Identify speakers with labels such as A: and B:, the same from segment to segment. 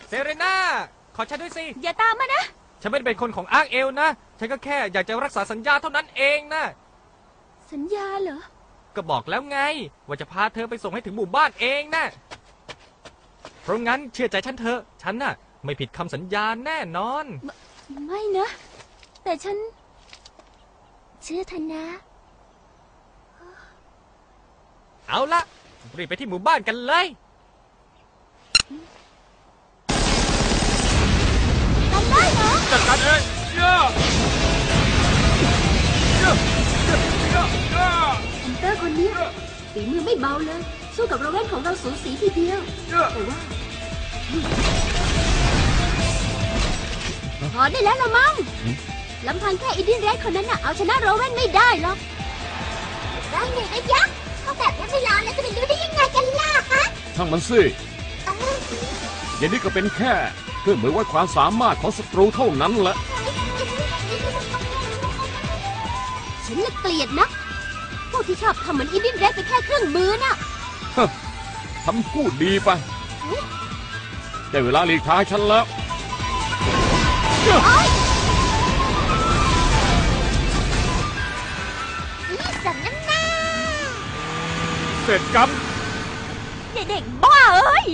A: เซเรน่าขอฉันด้วยสิ
B: อย่าตามมานะ
A: ฉันไม่ได้เป็นคนของอาร์คเอลนะฉันก็แค่อยากจะรักษาสัญญาเท่านั้นเองนะ
B: สัญญาเหรอ
A: ก็บอกแล้วไงว่าจะพาเธอไปส่งให้ถึงหมู่บ้านเองนะเพราะงั้นเชื่อใจฉันเถอะฉันน่ะไม่ผิดคำสัญญาแน่นอน
B: ไม่นะแต่ฉันเชื่อท่านนะ
A: เอาละรีบไปที่หมู่บ้านกันเลย
B: กันได้เหรอ
A: จัดการเอง
B: ฮันเตอร์คนนี้ฝีมือไม่เบาเลยสู้กับโรเวนของเราสูสีทีเดียวแต่ว่าพอได้แล้วละมั้งลำพังแค่อีดินแรดคนนั้นน่ะเอาชนะโรเวนไม่ได้หรอกได้ไงนะยักษ์เขาแบบนั้นไม่ลองแล้วจะไปรู้ได้ยังไงกันล่ะฮะ
C: ช่างมันสิอย่างนี้ก็เป็นแค่เครื่องมือวัดความสามารถของศัตรูเท่านั้นแหละ
B: ฉันละเกลียดนะพวกที่ชอบทำเหมือนอีดินแรดไปแค่เครื่องมือน่ะ
C: ทำพูดดีไปได้เวลาหลีกทางฉันแล้ว
B: นี่สันน้ำหน้า
C: เสร็จกรรม
B: เด็กบ้าเอ้ย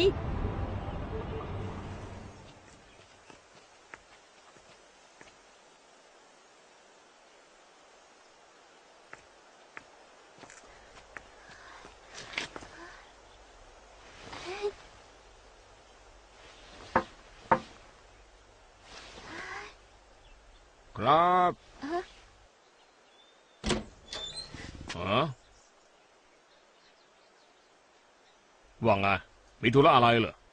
C: ครับว่าไงมีธุระอะไรเหรอ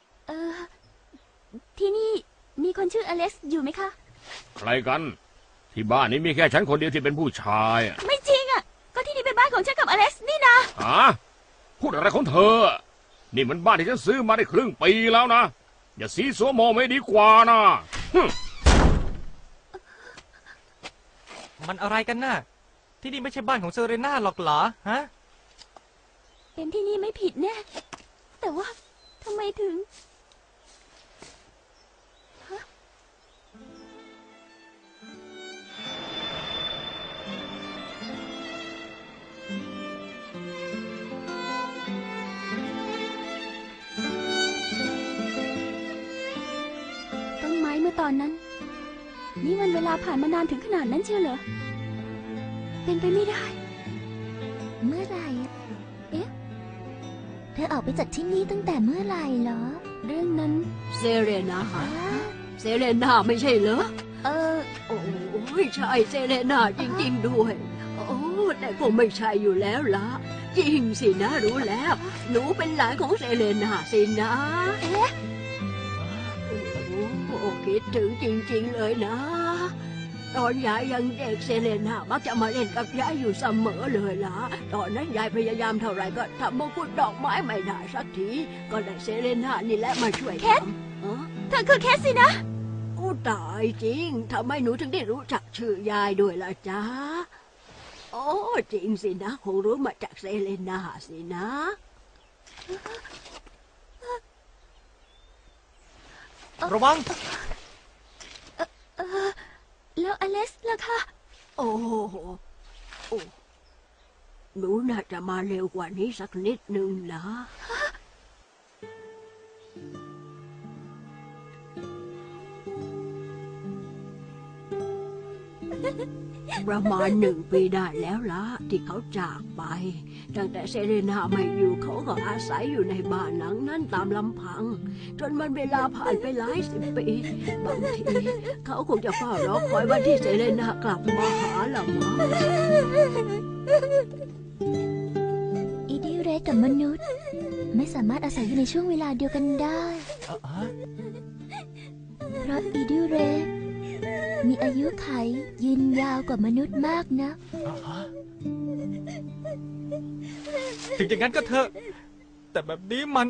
B: ที่นี่มีคนชื่ออเล็กซ์อยู่ไหมคะ
C: ใครกันที่บ้านนี้มีแค่ฉันคนเดียวที่เป็นผู้ชาย
B: ไม่จริงอ่ะก็ที่นี่เป็นบ้านของฉันกับอเล็กซ์นี่นะ
C: พูดอะไรของเธอนี่มันบ้านที่ฉันซื้อมาได้ครึ่งปีแล้วนะอย่าซีซัวโมไม่ดีกว่านะ
A: มันอะไรกันน่ะที่นี่ไม่ใช่บ้านของเซเรน่าหรอกเหรอฮะ
B: เป็นที่นี่ไม่ผิดแน่แต่ว่าทำไมถึงต้นไม้เมื่อตอนนั้นนี่มันเวลาผ่านมานานถึงขนาดนั้นเชียวเหรอเป็นไปไม่ได้เมื่อไหร่เอ๊ะเธอออกไปจากที่นี่ตั้งแต่เมื่อไหร่เหรอเรื่องนั้น
D: เซเรนาเซเรนาไม่ใช่เหรอโอ้ใช่เซเรนาจริงๆด้วยโอ้แต่คงไม่ใช่อยู่แล้วล่ะจริงสินะรู้แล้วหนูเป็นหลานของเซเรนาสินะโอ้คิดถึงจริงๆเลยนะตอนยายยังเด็กเซเลน่ามักจะมาเล่นกับยายอยู่เสมอเลยล่ะตอนนั้นยายพยายามเท่าไรก็ทำมงกุฎดอกไม้ไม่ได้สักทีก็ได้เซเลน่านี่แหละมาช่วย
B: ทำเธอคือแคสสินะ
D: อู้ตายจริงทำไมหนูถึงได้รู้จักชื่อยายด้วยล่ะจ๊ะโอ้จริงสินะคงรู้มาจากเซเลน่าสินะ
A: ระวัง
B: แล้วอเล็กซ์ล่ะคะ
D: โอ้หนูน่าจะมาเร็วกว่านี้สักนิดนึงนะประมาณ1 ปีได้แล้วล่ะที่เขาจากไปตั้งแต่เซเรนาไม่อยู่เขาก็อาศัยอยู่ในบ้านหลังนั้นตามลำพังจนมันเวลาผ่านไปหลาย10 ปีบางทีเขาคงจะเฝ้ารอคอยวันที่เซเรนากลับมาหาละมั้ง
B: อีดิเรกับมนุษย์ไม่สามารถอาศัยอยู่ในช่วงเวลาเดียวกันได้เพราะอีดิเรมีอายุขัยยืนยาวกว่ามนุษย์มากนะ
A: ถึงอย่างนั้นก็เถอะแต่แบบนี้มัน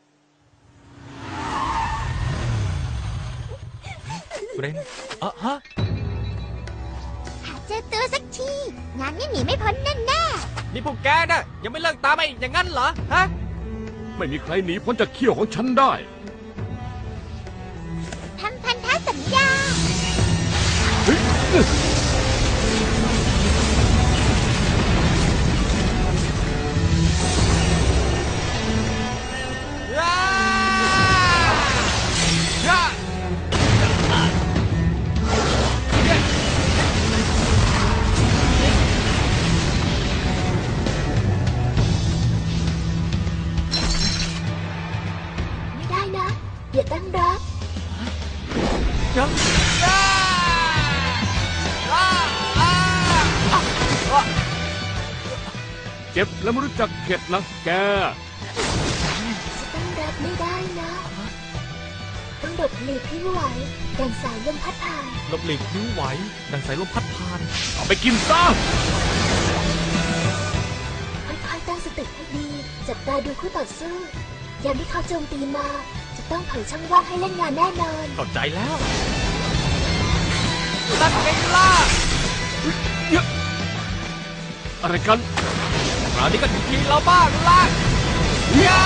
A: เรน
B: หาเจอตัวสักทีงานนี้หนีไม่พ้นแน่
A: ๆนี่พวกแกน่ะยังไม่เลิกตามไปอย่างนั้นเหรอฮะ
C: ไม่มีใครหนีพ้นจากเขี้ยวของฉันได้
B: ไม่ได้นะอย่าตั้งรับ
C: เจ็บแล้วไม่รู้จักเข็ดนะแก
B: จะตั้งรับไม่ได้นะต้องหลบหลีกให้ไหวดังสายลมพัดผ่าน
A: หลบหลีกนิ้วไหว ดังสายลมพัดผ่าน
C: เอาไปกินซะ
B: ค่อยๆตั้งสติให้ดีจับตาดูคู่ต่อสู้ยามที่เขาโจมตีมาจะต้องเผยช่องว่างให้เล่นงานแน่นอน
A: เข้าใจแล้วนั่นไงล่ะ
C: อะไรกัน
A: คราวนี้ก็ถึงทีเราบ้างล่ะย่า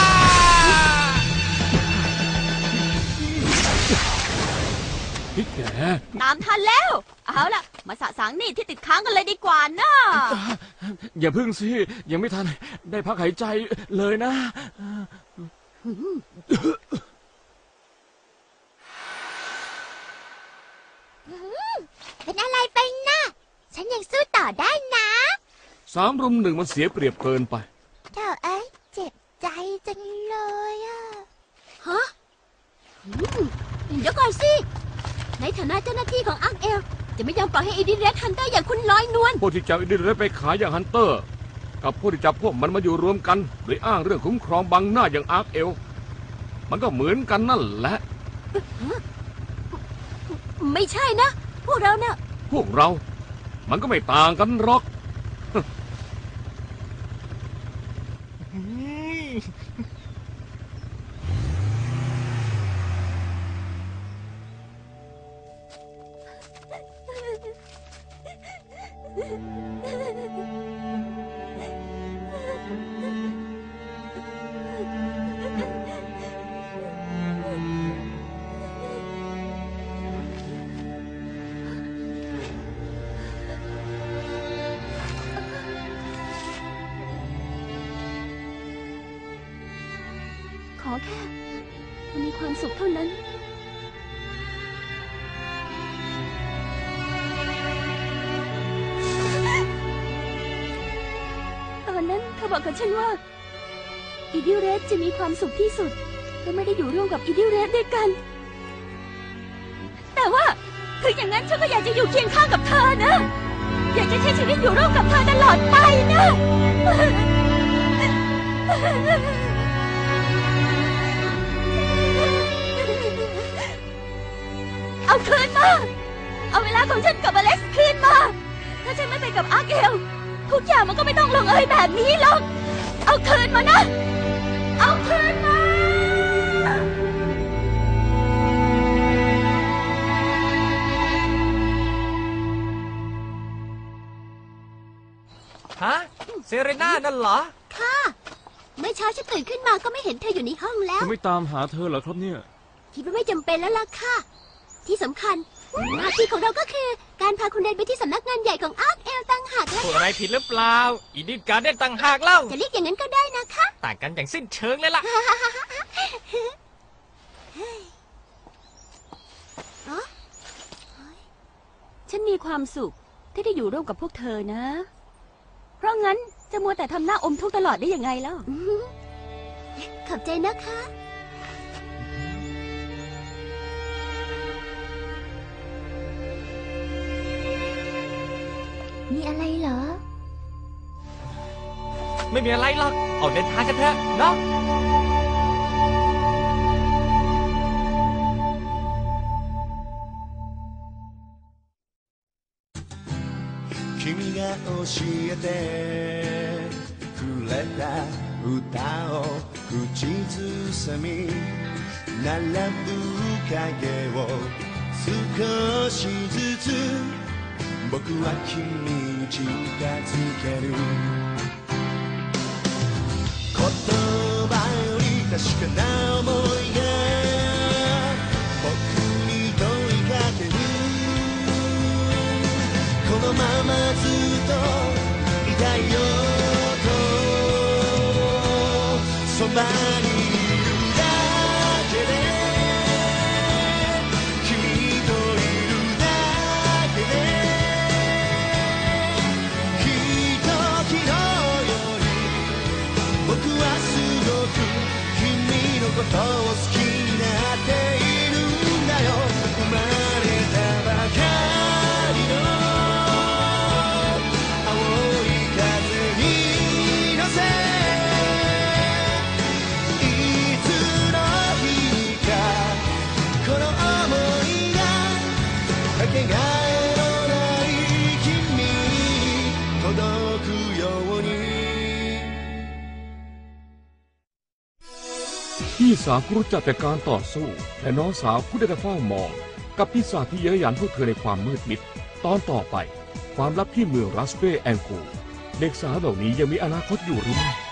C: พี่แก
E: ตามทันแล้ว เอาล่ะ มาสะสางหนี่ที่ติดค้างกันเลยดีกว่านะ
C: อย่าพึ่งสิ ยังไม่ทันได้พักหายใจเลยนะ
B: เป็นอะไรไปนะฉันยังสู้ต่อได้นะ
C: 3-1มันเสียเปรียบเกินไป
B: เธอเอ้ยเจ็บใจจังเลยอะ
D: ฮะเดี๋ยวก่อนสิ ในฐานะเจ้าหน้าที่ของอาร์คเอลจะไม่ยอมปล่อยให้อีดิเรสฮันเตอร์อย่างคุณลอยนวล
C: พวกที่จับอินเดียไปขายอย่างฮันเตอร์ กับพวกที่จับพวกมันมาอยู่รวมกัน โดยอ้างเรื่องคุ้มครองบังหน้าอย่างอาร์คเอล มันก็เหมือนกันนั่นแหละ
D: ไม่ใช่นะ พวกเราเนี่ย
C: พวกเรา มันก็ไม่ต่างกันหรอก
B: ขอแค่เธอมีความสุขเท่านั้น ตอนนั้นเธอบอกกับฉันว่า อีดิวเรสจะมีความสุขที่สุดก็ไม่ได้อยู่ร่วมกับอีดิวเรสด้วยกัน แต่ว่าถึงอย่างนั้นฉันก็อยากจะอยู่เคียงข้างกับเธอนะ อยากจะใช้ชีวิตอยู่ร่วมกับเธอตลอดไปนะ เอาคืนมา เอาเวลาของฉันกับอเล็กซ์คืนมา ถ้าฉันไม่ไปกับอาร์เกลทุกอย่างมันก็ไม่ต้องลงเอยแบบนี้หรอก เอาคืนมานะ เอาคืนมา
A: ฮะ เซเรน่านั่นเหรอ
B: เมื่อเช้าฉันตื่นขึ้นมาก็ไม่เห็นเธออยู่ในห้องแล้ว
C: จะไม่ตามหาเธอเหรอครับเนี่ย
B: คิดว่าไม่จำเป็นแล้วล่ะค่ะ ที่สำคัญหน้าที่ของเราก็คือการพาคุณเดนไปที่สำนักงานใหญ่ของอาร์คเอลต่างหากนะ
A: พูดอะไรผิดหรือเปล่า อีดิการเด่นต่างหากเล่า
B: จะเรียกอย่างนั้นก็ได้นะคะ
A: ต่างกันอย่างสิ้นเชิงเลยล่ะ
B: ฉันมีความสุขที่ได้อยู่ร่วมกับพวกเธอนะ เพราะงั้นจะมัวแต่ทำหน้าอมทุกข์ตลอดได้ยังไงแล้วขอบใจนะคะ มีอะไรเหรอ
A: ไม่มีอะไรหรอก เอาเดินทางกันเถอะเนาะ
F: 君が教えてくれた歌を口ずさみ並ぶ影を少しずつ僕は君に近づける言葉より確かな想いが僕に問いかけるまずっといたいよとそばにいるだけで君といるだけできっと昨日より僕はすごく君のことを好きになっているんだよ生まれたばかりの青い風に乗せいつの日かこの想いがかけがえのない君に届くように
C: พี่สาวผู้รู้จักแต่การต่อสู้และน้องสาวผู้ได้แต่เฝ้ามองกับปีศาจที่เย้ยหยันพวกเธอในความมืดมิดตอนต่อไปความลับที่เมืองรัสเบแองกูเด็กสาวเหล่านี้ยังมีอนาคตอยู่หรือไม่